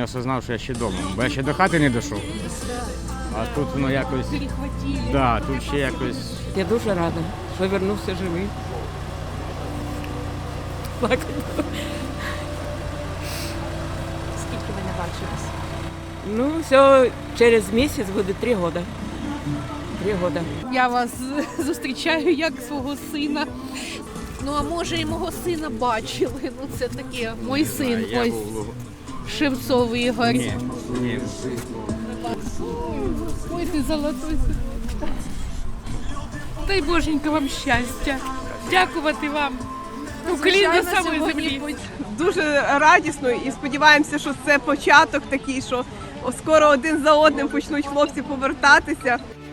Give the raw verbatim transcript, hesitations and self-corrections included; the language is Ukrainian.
осознав, що я ще вдома, бо я ще до хати не дійшов. А тут воно якось, да, тут ще якось. Я дуже рада, що повернувся живий. Плакати. Скільки ви не бачились? Ну, все, через місяць буде три роки. Три роки. Я вас зустрічаю як свого сина. Ну, а може і мого сина бачили. Ну, це таке, мій син, Я ось був... Шевцов Ігор. Ні, ні. Ой, ти золотой. Дай Боженька вам щастя. Дякувати вам. Уклін до самої землі. Дуже радісно і сподіваємося, що це початок такий, що скоро один за одним почнуть хлопці повертатися.